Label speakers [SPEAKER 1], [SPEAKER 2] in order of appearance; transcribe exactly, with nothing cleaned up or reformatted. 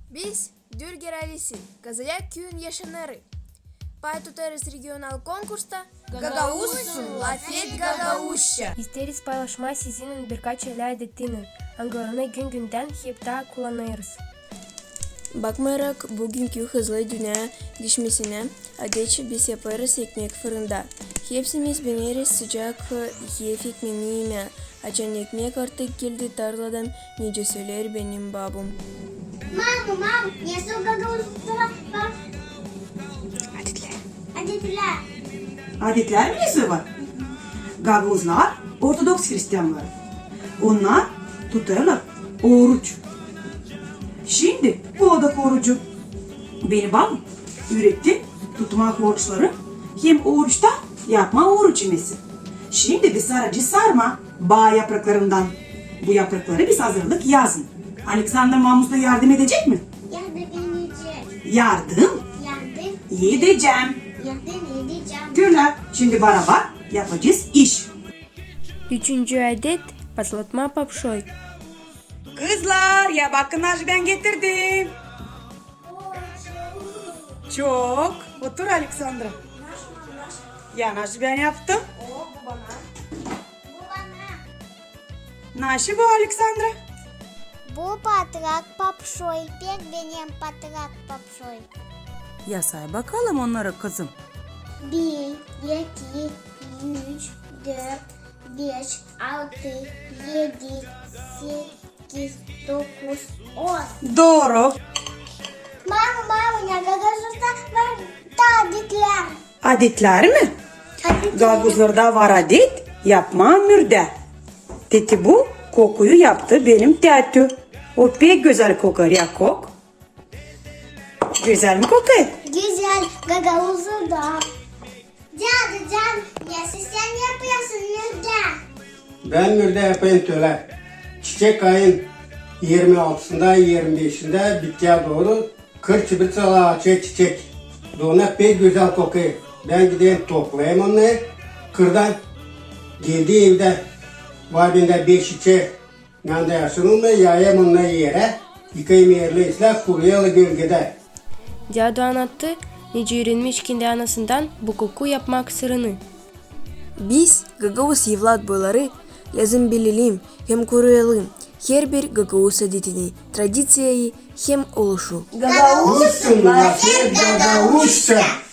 [SPEAKER 1] Biz Dürger Alisi, Kazalak köyün yaşanları. Pay tutarız regional konkursta Gagauzsun, Lafet Gagauzça.
[SPEAKER 2] İsteriz paylaşmayı sizin birkaç şeyler ettiğini. Angarını gün günden hep daha kullanırız.
[SPEAKER 1] Bakmayarak bugünkü hızlı dünya düşmesine adetçe biz yaparız ekmek fırında. Hepsimiz bineriz sıcak yiyef ekmeğine. Açan ekmek artık geldi tarladan, nece söyler benim babam.
[SPEAKER 3] Mama, mama, я су Gagauzlara bak.
[SPEAKER 1] Adetler.
[SPEAKER 3] Adetler.
[SPEAKER 4] Adetler mi nesi var? Gagavuzlar Ortodoks Hristiyanlar. Onlar tutarlar oruç. Şimdi bu odak orucu beni babam üretti tutmak oruçları hem oruçta yapma oruç yemesi. Şimdi biz sadece sarma bağ yapraklarından bu yaprakları biz hazırlık yazın. Alexander Mamus da yardım edecek mi?
[SPEAKER 3] Yardım edecek.
[SPEAKER 4] Yardım
[SPEAKER 3] Yardım,
[SPEAKER 4] edeceğim.
[SPEAKER 3] yardım edeceğim.
[SPEAKER 4] Güzel. Şimdi beraber yapacağız iş.
[SPEAKER 2] Üçüncü adet patlatma papşoy.
[SPEAKER 4] Kızlar ya bakın Naj ben getirdim. Çok. Otur Alexandra. Ya Naj ben yaptım.
[SPEAKER 3] Bu bana.
[SPEAKER 4] Naşı bu Alexandra.
[SPEAKER 3] Bu patrak papşoy. Pek benim patrak papşoy.
[SPEAKER 4] Ya say bakalım onlara kızım.
[SPEAKER 3] Bir, iki, üç, dört, beş, altı, yedi, sekiz, dokuz, on.
[SPEAKER 4] Doğru.
[SPEAKER 3] Mama, mama, ya Gagauzlarda var da adetler.
[SPEAKER 4] Adetler mi?
[SPEAKER 3] Adetler.
[SPEAKER 4] Gaguzlarda var adet. Yapma mürde. Teti bu kokuyu yaptı benim tetü. O pek güzel kokar ya kok. Güzel mi kokar?
[SPEAKER 3] Güzel Gagauzlarda. Cadı can, ya sen yapıyorsun nerede?
[SPEAKER 5] Ben mürde yapayım töle. Çiçek ayın yirmi altısında yirmi beşinde bitkiye doğru kır çibir çala çiçek. Doğuna pek güzel kokuyor. Ben gideyim toplayayım onu. Kırdan geldi evde var bende beş çiçek. Nanda yaşının da yayayım onu yere. Yıkayım yerle islah kuruyalı gölgede.
[SPEAKER 2] Cadı anlattı, nece öğrenmiş kendi anasından bu koku yapmak sırrını.
[SPEAKER 1] Biz Gagavuz evlat boyları lazım bilelim hem koruyalım. Her bir Gagavuz adetini, tradisyayı hem oluşu.
[SPEAKER 5] Gagauzsun, Lafet Gagauzça.